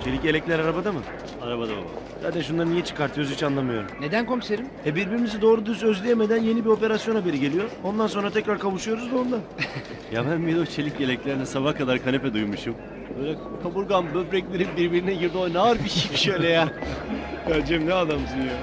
Çelik yelekler arabada mı? Arabada baba. Zaten şunları niye çıkartıyoruz hiç anlamıyorum. Neden komiserim? Birbirimizi doğru düz özleyemeden yeni bir operasyon haberi geliyor. Ondan sonra tekrar kavuşuyoruz da ondan. Ya ben bir de o çelik yeleklerine sabah kadar kanepe duymuşum. Böyle kaburgam, böbreklerim birbirine girdi. O ne ağır bir şey şöyle ya. Ya Cem ne adamsın ya.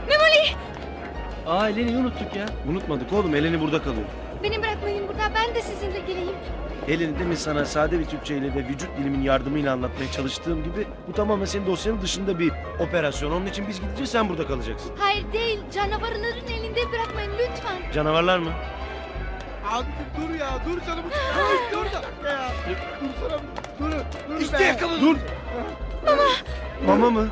Aa Eleni unuttuk ya. Unutmadık oğlum, Eleni burada kalıyor. Beni bırakmayın burada. Ben de sizinle geleyim. Eleni demin sana sade bir Türkçeyle ve vücut dilimin yardımıyla anlatmaya çalıştığım gibi bu tamamen senin dosyanın dışında bir operasyon. Onun için biz gideceğiz, sen burada kalacaksın. Hayır değil. Canavarların elinde bırakmayın lütfen. Canavarlar mı? Abi dur ya, dur canım. Dur da ya. Dursana. Dur İşte be. yakaladım. Dur. Mama mı?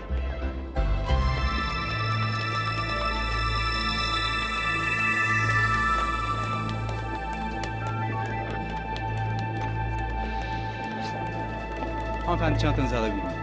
Hanımefendi çantanızı alabilir miyim?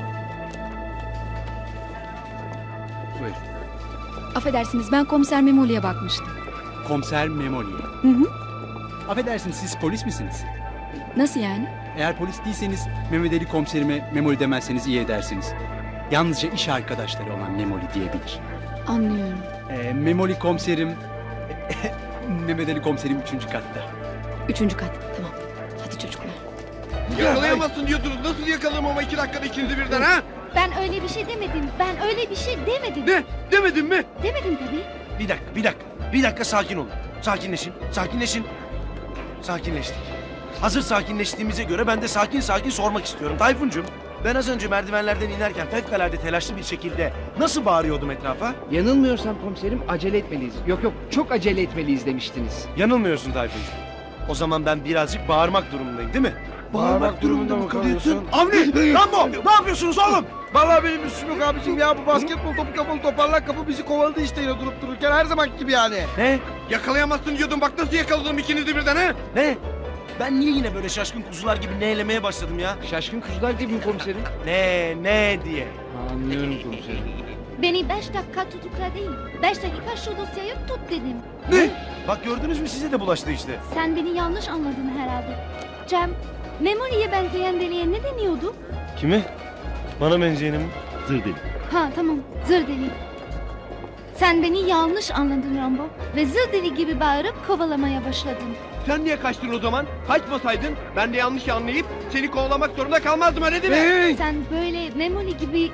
Buyurun. Affedersiniz, ben komiser Memoli'ye bakmıştım. Komiser Memoli. Hı hı. Affedersiniz, siz polis misiniz? Nasıl yani? Eğer polis değilseniz Mehmet Ali komiserime Memoli demezseniz iyi edersiniz. Yalnızca iş arkadaşları olan Memoli diyebilir. Anlıyorum. Memoli komiserim... Mehmet Ali komiserim 3. katta. 3. kat, tamam. Hadi çocuklar. Yakalayamazsın diyordunuz. Nasıl yakalarım ama 2 dakikada ikinizi birden ha? Ben öyle bir şey demedim. Ben öyle bir şey demedim. Ne? Demedin mi? Demedim tabii. Bir dakika sakin olun. Sakinleşin, sakinleşin. Sakinleştik. Hazır sakinleştiğimize göre ben de sakin sakin sormak istiyorum. Tayfuncuğum, ben az önce merdivenlerden inerken fevkalade telaşlı bir şekilde nasıl bağırıyordum etrafa? Yanılmıyorsam komiserim acele etmeliyiz. Yok çok acele etmeliyiz demiştiniz. Yanılmıyorsun Tayfuncuğum. O zaman ben birazcık bağırmak durumundayım değil mi? Bağırmak durumunda mı kalıyorsun? Avni! Rambo! Ne yapıyorsunuz oğlum? Vallahi benim üstüm yok abicim ya. Bu basketbol topu kapalı toparlak kapı bizi kovaladı işte yine durup dururken. Her zaman gibi yani. Ne? Yakalayamazsın diyordum. Bak nasıl yakaladım ikinizi birden ha? Ne? Ben niye yine böyle şaşkın kuzular gibi neylemeye başladım ya? Şaşkın kuzular gibi mi komiserim? Ne diye. Anlıyorum komiserim. Beni 5 dakika tutukla değil. 5 dakika şu dosyayı tut dedim. Ne? Bak gördünüz mü, size de bulaştı işte. Sen beni yanlış anladın herhalde. Cem, Memoli'ye benzeyen deliye ne deniyordu? Kimi? Bana benzeyeni mi? Zır deli. Ha tamam, zır deli. Sen beni yanlış anladın Rambo. Ve zır deli gibi bağırıp kovalamaya başladın. Sen niye kaçtın o zaman? Kaçmasaydın ben de yanlış anlayıp seni kovalamak zorunda kalmazdım öyle değil mi? Sen böyle Memoli gibi...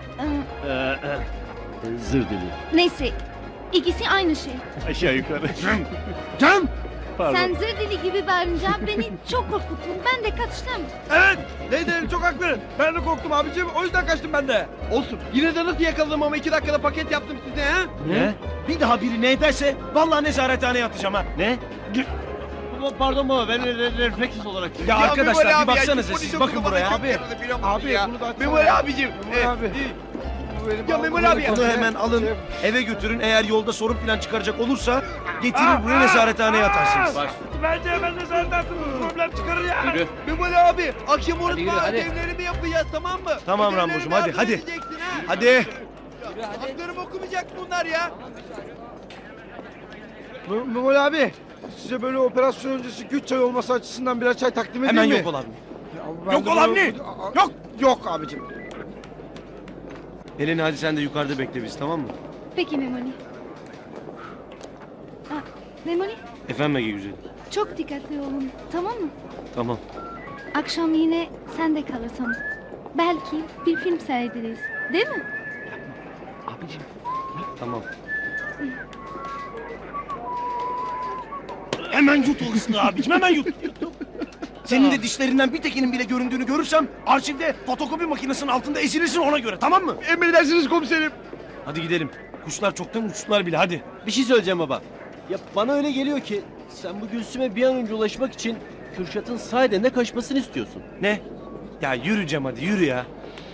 Zır deli. neyse, ikisi aynı şey. Aşağı yukarı. Cem! Pardon. Sen zır deli gibi bağırınca beni çok korkuttun. Ben de kaçtım. Evet! Neydi çok haklı. Ben de korktum abicim. O yüzden kaçtım ben de. Olsun. Yine de nasıl yakaladım ama 2 dakikada paket yaptım size ha? Ne? Bir daha biri ne ederse vallahi nezarethaneye atacağım ha. Ne? Pardon baba, ben refleksiz olarak... Ya arkadaşlar Memoli bir abi ya, baksanıza polis siz, yoksa bakın bana buraya çok abi. yaradı, biliyor musun Abi, ya? bunu da açsana. Memoli abicim. Memoli abi. Ya Memoli abi. Bunu hemen alın, eve götürün. Eğer yolda sorun falan çıkaracak olursa getirir buraya nezarethaneye atarsınız. Bence hemen nezaret altında problem çıkarır ya. Yürü. Memoli abi akşam yürü, unutma hadi. ödevlerimi yapacağız tamam mı? Tamam Ödevlerimi Rambocuğum, hadi, yardım hadi. edeceksin ha. Hadi. Haklarımı okumayacak bunlar ya. Memoli abi size böyle operasyon öncesi güç çay olması açısından birer çay takdim edeyim Hemen mi? yok ol abi. Ben Yok de ol böyle- Avni! Yok! Yok abicim. Eleni hadi sen de yukarıda bekle bizi, tamam mı? Peki Memoli. Ha, Memoli, Efendim Ege güzelim. çok dikkatli olun. Tamam mı? Tamam. Akşam yine sen de kalırsam. Belki bir film seyrederiz. Değil mi? Abicim. Tamam. Hemen yut o ıslığı abicim, hemen yut. Senin de dişlerinden bir tekinin bile göründüğünü görürsem arşivde fotokopi makinesinin altında ezilirsin, ona göre, tamam mı? Emredersiniz komiserim. Hadi gidelim. Kuşlar çoktan uçtular bile, hadi. Bir şey söyleyeceğim baba. Ya bana öyle geliyor ki sen bu Gülsüm'e bir an önce ulaşmak için Kürşat'ın sahiden de kaçmasını istiyorsun. Ne? Ya yürü Cem, hadi yürü ya.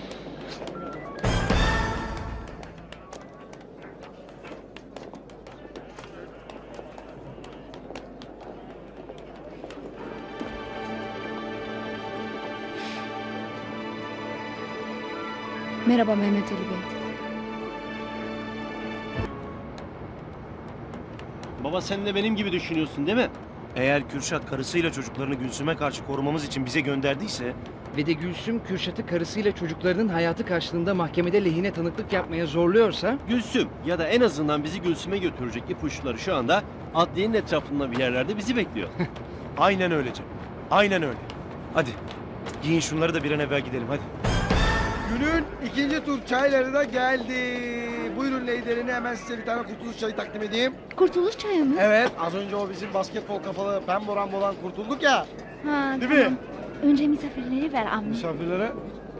Merhaba Mehmet Ali Bey. Baba sen de benim gibi düşünüyorsun değil mi? Eğer Kürşat karısıyla çocuklarını Gülsüm'e karşı korumamız için bize gönderdiyse ve de Gülsüm Kürşat'ı karısıyla çocuklarının hayatı karşılığında mahkemede lehine tanıklık yapmaya zorluyorsa Gülsüm ya da en azından bizi Gülsüm'e götürecek ipuçları şu anda adliyenin etrafında bir yerlerde bizi bekliyor. Aynen öyle Cem. Aynen öyle. Hadi giyin şunları da bir an evvel gidelim hadi. Günün ikinci tur çayları da geldi. Buyurun Leyder'ini hemen size bir tane kurtuluş çayı takdim edeyim. Kurtuluş çayı mı? Evet, az önce o bizim basketbol kafalı pemboran kurtulduk ya. Ha, Değil mi? tamam. Önce misafirleri ver Avni. Misafirlere?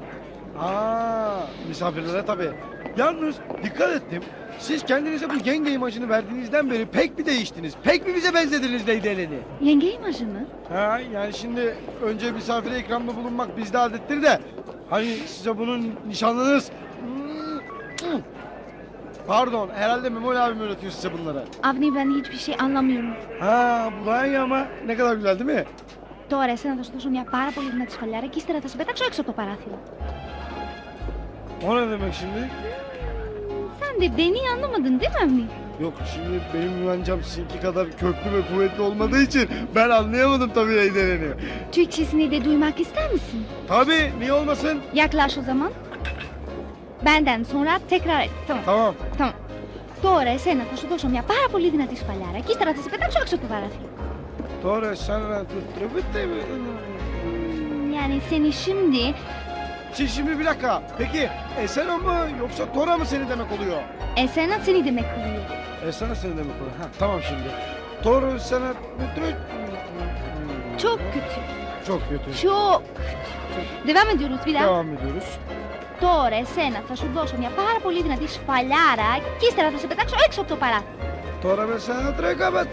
Misafirlere tabii. Yalnız dikkat ettim. Siz kendinize bu yenge imajını verdiğinizden beri pek bir değiştiniz. Pek bir bize benzediniz Leyder'ini. Yenge imajı mı? Ha, yani şimdi önce misafire ikramda bulunmak bizde adettir de hani size bunun nişanlınız. Pardon, herhalde Memoli abim öğretiyor size bunları. Avni ben hiçbir şey anlamıyorum. Ha, bu daha iyi ama ne kadar güzel değil mi? Τώρα εσένα θα σου δώσω μια πάρα πολύ δυνατή σφαλιάρα και ύστερα θα σε πετάξω έξω από το παράθυρο. O ne demek şimdi? Sen de beni anlamadın değil mi Avni? Yok şimdi benim güvencem sizinki kadar köklü ve kuvvetli olmadığı için ben anlayamadım tabii Leyder'ini. Türkçesini de duymak ister misin? Tabii, niye olmasın? Yaklaş o zaman. Benden sonra tekrar et. Tamam. Tamam. Tamam. Τώρα εσένα θα σου δώσω μια πάρα πολύ δυνατή σφαλιάρα και ύστερα θα σε πετάξω έξω από το παράθυρο. Sonra sana Yani seni şimdi Şimdi bir dakika. Peki Esena mı yoksa Tora mı seni demek oluyor? esena seni demek oluyor. Esena seni demek oluyor. Ha, tamam şimdi. Tora sana Çok kötü. çok kötü. Çok kötü. Devam ediyoruz bir daha. Devam ediyoruz. Τώρα εσένα θα σου δώσω μια πάρα πολύ δυνατή σφαλιάρα και ύστερα θα σε πετάξω έξω από το παράθυρο. Tora ben sana trekabat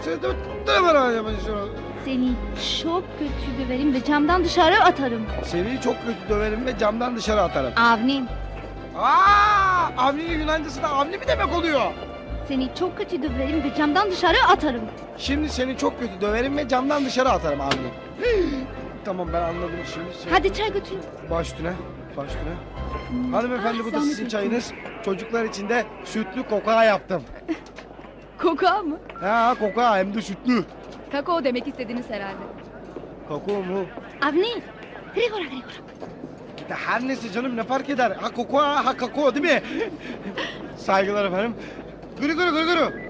Seni çok kötü döverim ve camdan dışarı atarım. Seni çok kötü döverim ve camdan dışarı atarım. Avni, Avni'nin Yunancası da Avni mi demek oluyor? seni çok kötü döverim ve camdan dışarı atarım. Şimdi seni çok kötü döverim ve camdan dışarı atarım Avni. Tamam ben anladım şimdi. Hadi çay götür. Baş üstüne. Baş üstüne. Hanımefendi bu da zahmet sizin ettin. çayınız. Çocuklar için de sütlü koka yaptım. Koka mı? Ha koka hem de sütlü. Kakao demek istediniz herhalde. Kakao mu? Avni, γρήγορα γρήγορα. Ya her neyse canım ne fark eder? Ha koka ha kakao değil mi? Saygılar efendim. Gırı gırı gırı gırı.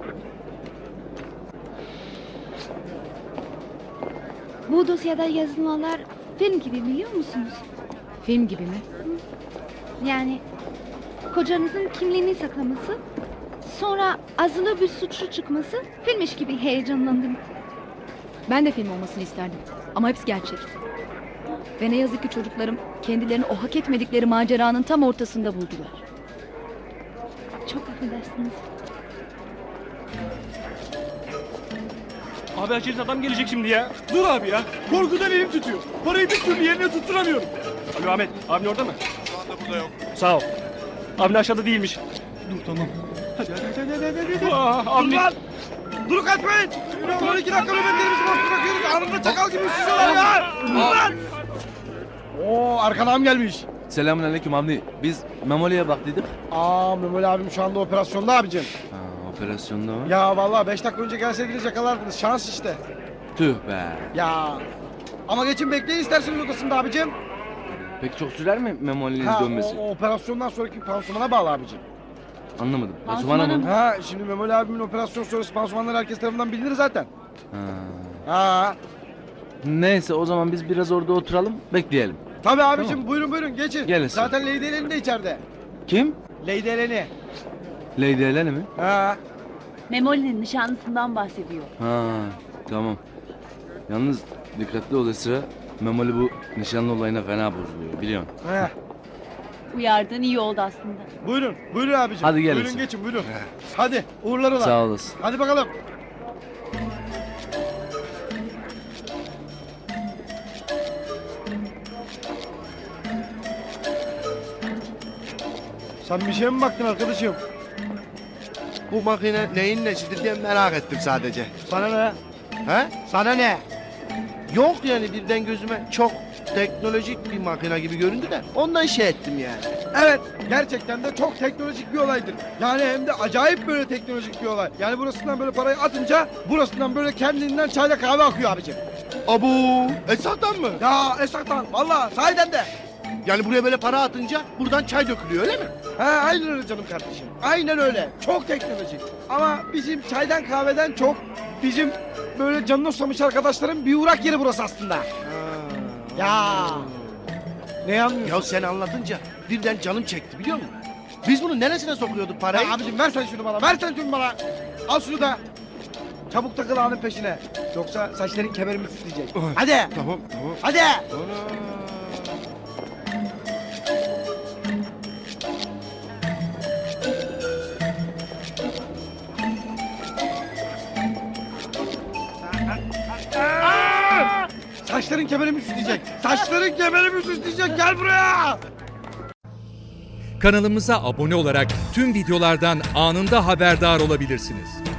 Bu dosyada yazılanlar film gibi biliyor musunuz? Film gibi mi? Yani kocanızın kimliğini saklaması, sonra azılı bir suçlu çıkması filmmiş gibi heyecanlandım. Ben de film olmasını isterdim. Ama hepsi gerçek. Ve ne yazık ki çocuklarım kendilerini o hak etmedikleri maceranın tam ortasında buldular. Çok affedersiniz. Abi açılış adam gelecek şimdi ya. Dur abi ya. Korkudan elim tutuyor. Parayı bir türlü yerine tutturamıyorum. Alo Ahmet. Abin orada mı? Şu anda burada yok. Sağ ol. Abin aşağıda değilmiş. Dur tamam. Hadi. Abin. Dur lan! Dur kaçmayın! 12 dakika nöbetlerimizi boş bırakıyoruz. Anında çakal gibi üşüyorlar ya! Dur lan! Oo arkadan gelmiş. Selamünaleyküm Avni. Biz Memoli'ye baktıydık. Memoli abim şu anda operasyonda abicim. Ha, operasyonda mı? Ya vallahi 5 dakika önce gelseydiniz yakalardınız. Şans işte. Tüh be. Ya. Ama geçin bekleyin isterseniz odasında abicim. Peki çok sürer mi Memoli'nin dönmesi? O operasyondan sonraki pansumana bağlı abicim. Anlamadım. Pansumana mı? Ha şimdi Memoli abimin operasyon sonrası pansumanları herkes tarafından bilinir zaten. Ha. Neyse o zaman biz biraz orada oturalım, bekleyelim. Tabii abicim buyurun geçin. Gelin. Zaten Lady Eleni de içeride. Kim? Lady Eleni. Lady Eleni mi? Ha. Memoli'nin nişanlısından bahsediyor. Ha, tamam. Yalnız dikkatli ol Esra. Memoli bu nişanlı olayına fena bozuluyor biliyorsun. Ha. Uyardığın iyi oldu aslında. Buyurun abicim. Hadi gelin Buyurun sen. geçin buyurun. Hadi uğurlar ola. Sağ olasın. Hadi bakalım. Sen bir şeye mi baktın arkadaşım? Bu makine neyin nesidir diye merak ettim sadece. Sana ne? He? Sana ne? Yok yani birden gözüme çok teknolojik bir makine gibi göründü de ondan şey ettim yani. Evet, gerçekten de çok teknolojik bir olaydır. Yani hem de acayip böyle teknolojik bir olay. Yani burasından böyle parayı atınca burasından böyle kendinden çayla kahve akıyor abicim. Abu, Esat'tan mı? Ya Esat'tan valla sahiden de. Yani buraya böyle para atınca buradan çay dökülüyor öyle mi? He aynen öyle canım kardeşim. Aynen öyle. Çok teknolojik. Ama bizim çaydan kahveden çok bizim böyle canını oslamış arkadaşların bir uğrak yeri burası aslında. Ya. Ne anlıyorsun? Ya sen anlatınca birden canım çekti biliyor musun? Biz bunu neresine sokuyorduk parayı? Ya abicim ver sen şunu bana. Ver sen şunu bana. Al şunu da. Çabuk takıl ağanın peşine. Yoksa saçların kemerimi titreyecek. Hadi. Tamam. Hadi. Saçların kemerimi süsleyecek. Saçların kemerimi süsleyecek. Gel buraya. Kanalımıza abone olarak tüm videolardan anında haberdar olabilirsiniz.